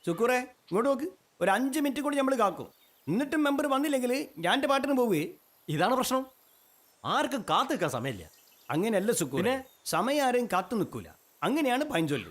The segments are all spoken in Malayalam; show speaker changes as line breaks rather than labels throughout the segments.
സുക്കൂറെ ഇങ്ങോട്ട് നോക്ക്. ഒരു 5 മിനിറ്റ് കൂടി നമ്മൾ കാക്കും. എന്നിട്ടും മെമ്പർ വന്നില്ലെങ്കിൽ ഞാൻ എൻ്റെ പാട്ടിന് പോവേ.
ഇതാണ് പ്രശ്നം. ആർക്കും കാത്തു നിൽക്കാൻ സമയമില്ല.
അങ്ങനെയല്ല സുക്കൂരെ, സമയം ആരെയും കാത്തു നിൽക്കൂല. അങ്ങനെയാണ് പഴഞ്ചൊല്ല്.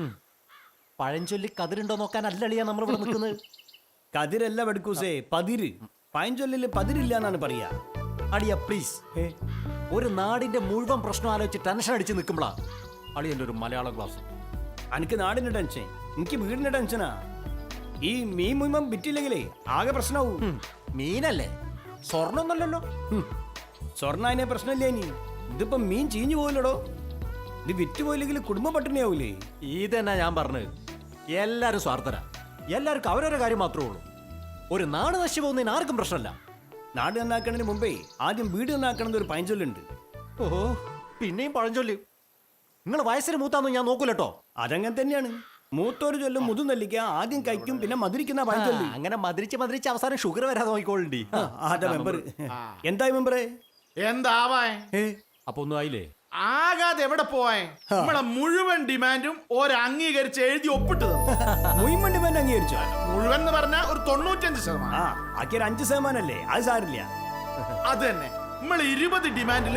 പഴഞ്ചൊല്ലി കതിരുണ്ടോ നോക്കാനല്ലളിയാ നമ്മൾ ഇവിടെ നിൽക്കുന്നത്.
കതിരല്ല വെടുക്കൂസേ, പതിര്. പഴഞ്ചൊല്ലിൽ പതിരില്ല എന്നാണ് പറയാ.
അളിയ പ്ലീസ്, ഒരു നാടിന്റെ മുഴുവൻ പ്രശ്നം ആലോചിച്ച് ടെൻഷൻ അടിച്ച് നിൽക്കുമ്പോഴാ അളിയന്റെ ഒരു മലയാളം ക്ലാസ്.
എനിക്ക് നാടിന്റെ ടെൻഷൻ, എനിക്ക് വീടിന്റെ ടെൻഷനാ. ഈ മീൻ മുഴുവൻ വിറ്റില്ലെങ്കിലേ ആകെ പ്രശ്നമാവും.
മീനല്ലേ, സ്വർണ്ണമൊന്നല്ലല്ലോ.
സ്വർണ്ണ അതിനെ പ്രശ്നമില്ല. ഇനി ഇതിപ്പോ മീൻ ചീഞ്ഞു പോയില്ലടോ. ഇത് വിറ്റ് പോയില്ലെങ്കിൽ കുടുംബ പട്ടിണിയാവൂലേ.
ഇതന്നെ ഞാൻ പറഞ്ഞത്. എല്ലാരും സ്വാർത്ഥരാ. എല്ലാവർക്കും അവരവരുടെ കാര്യം മാത്രമേ ഉള്ളൂ. ഒരു നാട് നശിച്ചു പോകുന്നതിന് ആർക്കും പ്രശ്നമല്ല.
നാട് നന്നാക്കണതിന് മുമ്പേ ആദ്യം വീട് നന്നാക്കണമെന്ന് ഒരു പഴഞ്ചൊല്ലുണ്ട്.
ഓഹോ, പിന്നെയും പഴഞ്ചൊല്ലി. നിങ്ങൾ വയസ്സിന് മൂത്താന്ന് ഞാൻ നോക്കൂലട്ടോ.
അതങ്ങനെ തന്നെയാണ്. മൂത്തോര് ചൊല്ലും മുതു നെല്ലിക്ക ആദ്യം കഴിക്കും പിന്നെ മധുരിക്കുന്ന പഴഞ്ചൊല്ലി.
അങ്ങനെ മധുരിച്ച് അവസാനം ഷുഗർ വരാതെ നോക്കിക്കോളണ്ടി.
അതെ മെമ്പർ. എന്തായി മെമ്പറേ?
എന്താവാ
അപ്പൊ ഒന്നും ആയില്ലേ?
ആകാതെ എവിടെ പോവാൻ? നമ്മളെ മുഴുവൻ ഡിമാൻഡും അംഗീകരിച്ച് എഴുതി ഒപ്പിട്ട്
മുഴുവൻ ഡിമാൻഡ് അംഗീകരിച്ചോ?
മുഴുവൻ എന്ന് പറഞ്ഞ ഒരു 95%.
ആക്കിയ 5% അല്ലേ, അത് സാരില്ല.
അത് തന്നെ. നമ്മൾ 20 ഡിമാൻഡിൽ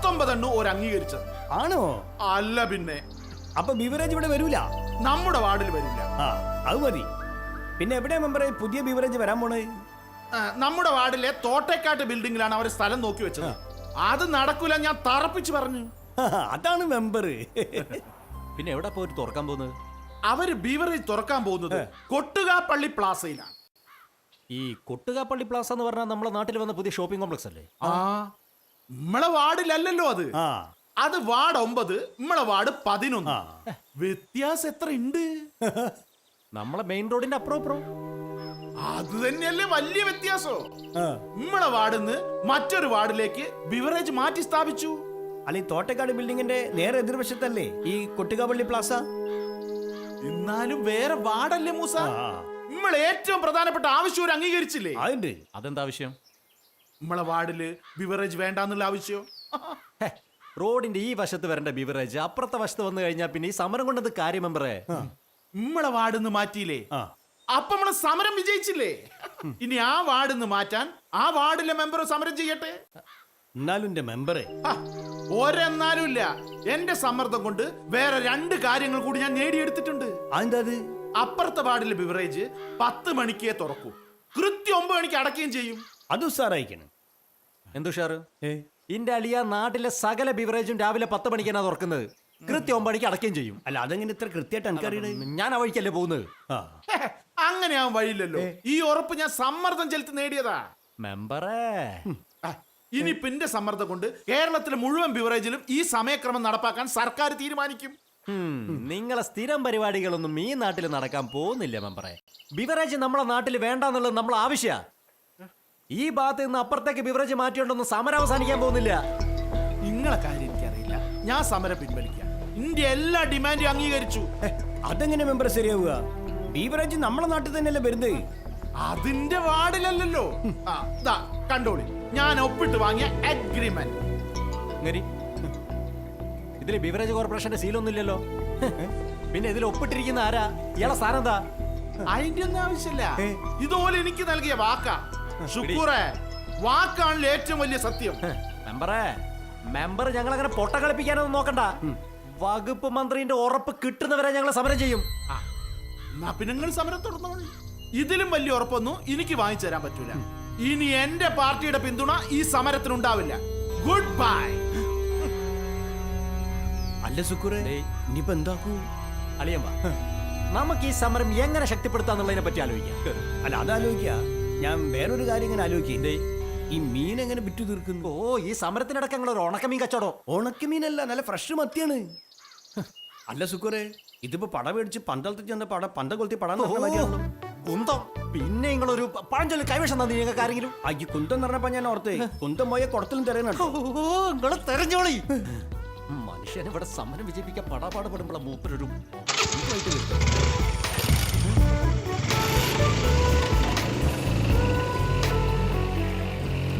19 അംഗീകരിച്ചത്
ആണോ?
അല്ല പിന്നെ.
അപ്പൊ ബിവറേജ് ഇവിടെ വരൂല?
നമ്മുടെ വാർഡിൽ വരില്ല.
അത് മതി. പിന്നെ എവിടെയാ മെമ്പറെ പുതിയ ബിവറേജ് വരാൻ പോണേ?
നമ്മുടെ വാർഡിലെ തോട്ടേക്കാട്ട് ബിൽഡിംഗിലാണ് അവർ സ്ഥലം നോക്കി വെച്ചത്. അത് നടക്കൂല, ഞാൻ തറപ്പിച്ച് പറഞ്ഞു.
അതാണ് മെമ്പർ.
പിന്നെ എവിടെ പോയിട്ട് തുറക്കാൻ പോകുന്നത്?
അവര് ബീവറേജ് തുറക്കാൻ പോകുന്നത് കൊട്ടുകാപ്പള്ളി പ്ലാസയിലാണ്.
ഈ കൊട്ടുകാപ്പള്ളി പ്ലാസ എന്ന് പറഞ്ഞാൽ നമ്മളെ നാട്ടിൽ വന്ന പുതിയ ഷോപ്പിംഗ് കോംപ്ലക്സ് അല്ലേ?
നമ്മളെ വാർഡിലല്ലോ അത്. അത് വാർഡ് 9, നമ്മളെ വാർഡ് 11. വ്യത്യാസം എത്ര ഉണ്ട്?
നമ്മളെ മെയിൻ റോഡിന്റെ അപ്പുറം.
അത് തന്നെയല്ലേ വലിയ വ്യത്യാസോ. നമ്മളെ വാർഡിന്ന് മറ്റൊരു വാർഡിലേക്ക് ബിവറേജ് മാറ്റി സ്ഥാപിച്ചു.
അല്ല, ഈ തോട്ടക്കാട് ബിൽഡിങ്ങിന്റെ നേരെ എതിർവശത്തല്ലേ ഈ കൊട്ടുകാപ്പള്ളി പ്ലാസ?
എന്നാലും വേറെ വാർഡല്ലേ മൂസ. നമ്മൾ ഏറ്റവും പ്രധാനപ്പെട്ട ആവശ്യം അംഗീകരിച്ചില്ലേ?
അതുണ്ട്.
അതെന്താ ആവശ്യം?
നമ്മളെ വാർഡില് ബിവറേജ് വേണ്ടെന്നുള്ള ആവശ്യം.
റോഡിന്റെ ഈ വശത്ത് വരേണ്ട ബിവറേജ് അപ്പുറത്തെ വശത്ത് വന്നു കഴിഞ്ഞാൽ പിന്നെ ഈ സമരം കൊണ്ടത് കാര്യം മെമ്പറേ.
നമ്മളെ വാർഡിന്ന് മാറ്റിയില്ലേ, അപ്പൊ നമ്മളെ സമരം വിജയിച്ചില്ലേ? ഇനി ആ വാർഡിന്ന് മാറ്റാൻ ആ വാർഡിലെ മെമ്പർ സമരം ചെയ്യട്ടെ.
എന്നാലും എന്റെ മെമ്പറെ,
ഒരെന്നാലും ഇല്ല. എന്റെ സമ്മർദ്ദം കൊണ്ട് വേറെ 2 കാര്യങ്ങൾ കൂടി ഞാൻ നേടിയെടുത്തിട്ടുണ്ട്.
അതെന്താ?
അപ്പുറത്തെ വാർഡിലെ ബിവറേജ് 10 മണിക്കേ തുറക്കൂ, കൃത്യം 9 മണിക്ക് അടക്കുകയും ചെയ്യും.
അത് ഉസാറായിക്കണം.
എന്തുഷാറ്? ഇന്റെ അളിയ നാട്ടിലെ സകല ബിവറേജും രാവിലെ 10 മണിക്കാണ് തുറക്കുന്നത്, കൃത്യം 9 മണിക്ക് അടക്കുകയും ചെയ്യും.
അല്ല, അതെങ്ങനെ ഇത്ര കൃത്യമായിട്ട് എനിക്കറിയണേ?
ഞാൻ ആ വഴിക്കല്ലേ പോകുന്നത്.
അങ്ങനെ ആവാൻ വഴിയില്ലല്ലോ. ഈ ഉറപ്പ് ഞാൻ സമ്മർദ്ദം ചെലുത്തി നേടിയതാ
മെമ്പറേ.
ഇനി പിന്നെ സമ്മർദ്ദം കൊണ്ട് കേരളത്തിലെ മുഴുവൻ ബിവറേജിലും ഈ സമയക്രമം നടപ്പാക്കാൻ സർക്കാർ തീരുമാനിക്കും.
നിങ്ങളെ സ്ഥിരം പരിപാടികളൊന്നും ഈ നാട്ടിൽ നടക്കാൻ പോകുന്നില്ല മെമ്പറേ. ബിവറേജ് നമ്മളെ നാട്ടിൽ വേണ്ടെന്നുള്ളത് നമ്മളെ ആവശ്യ. ഈ ഭാഗത്ത് നിന്ന് അപ്പുറത്തേക്ക് ബിവറേജ് മാറ്റിയോണ്ടൊന്നും സമരം അവസാനിക്കാൻ പോകുന്നില്ല.
നിങ്ങളെ കാര്യം എനിക്കറിയില്ല. ഞാൻ സമരം പിൻവലിക്കാം. ഇന്ത്യ എല്ലാ ഡിമാൻഡും അംഗീകരിച്ചു.
അതെങ്ങനെ മെമ്പർ ശരിയാവുക? ബീവറേജ് നമ്മളെ നാട്ടിൽ തന്നെയല്ലേ വരുന്നത്.
അതിന്റെ വാർഡിലല്ലോ. കണ്ടോളി, ഞാൻ ഒപ്പിട്ട് വാങ്ങിയ അഗ്രിമെന്റ്.
ഇതില് ബിവറേജ് കോർപ്പറേഷന്റെ സീലൊന്നും ഇല്ലല്ലോ. പിന്നെ ഇതിൽ ഒപ്പിട്ടിരിക്കുന്ന ആരാ? ഇയാളെ സ്ഥാനം എന്താ?
അതിന്റെ ഒന്നും ആവശ്യമില്ല. ഇതുപോലെ എനിക്ക് നൽകിയ വാക്കാ. ശുക്കൂറേ, വാക്കാണല്ലോ ഏറ്റവും വലിയ സത്യം.
മെമ്പർ ഞങ്ങൾ അങ്ങനെ പൊട്ട കളിപ്പിക്കാനൊന്നും നോക്കണ്ട. വകുപ്പ് മന്ത്രിന്റെ ഉറപ്പ് കിട്ടുന്നവരെ ഞങ്ങൾ സമരം ചെയ്യും.
പിന്നെ നിങ്ങൾ സമരം തുടർന്നോളൂ. ഇതിലും വലിയ ഉറപ്പൊന്നും എനിക്ക് വാങ്ങിച്ചു തരാൻ പറ്റൂല. ഇനി എന്റെ പാർട്ടിയുടെ പിന്തുണ ഈ സമരത്തിനുണ്ടാവില്ല. Good bye.
അല്ല സുക്കൂറേ, ഇനിയിപ്പോ എന്താക്കൂ?
അളിയൻ വാ, നമുക്ക് ഈ സമരം എങ്ങനെ ശക്തിപ്പെടുത്താന്നുള്ളതിനെ പറ്റി ആലോചിക്കാം.
അല്ല, അതാലോചിക്ക. ഞാൻ വേറൊരു കാര്യം ഇങ്ങനെ ആലോചിക്കേ. ഈ മീൻ എങ്ങനെ വിറ്റു തീർക്കുന്നു?
ഈ സമരത്തിനിടയ്ക്ക് ഞങ്ങൾ ഒരു ഉണക്കമീൻ കച്ചവടം.
ഉണക്കമീനല്ല, നല്ല ഫ്രഷ് മത്തിയാണ്. അല്ല സുക്കൂറേ, ഇതിപ്പോ പട മേടിച്ച് പന്തളത്തിൽ ചെന്ന പന്ത കൊളുത്തി പടാൻ
കുന്തം. പിന്നെ നിങ്ങളൊരു പഴഞ്ചൊല്ലി കൈവശം തന്നെ നിങ്ങൾക്ക് ആരെങ്കിലും?
ഈ കുന്തം എന്ന് പറഞ്ഞപ്പോ ഞാൻ ഓർത്തേ, കുന്തം പോയ കുടത്തിലും തെരയുന്നുണ്ടോ?
നിങ്ങൾ തെരഞ്ഞോളി. മനുഷ്യനെ ഇവിടെ സമരം വിജയിപ്പിക്കാൻ പടാപാട് പെടുമ്പോഴാണ് മൂപ്പരൊരു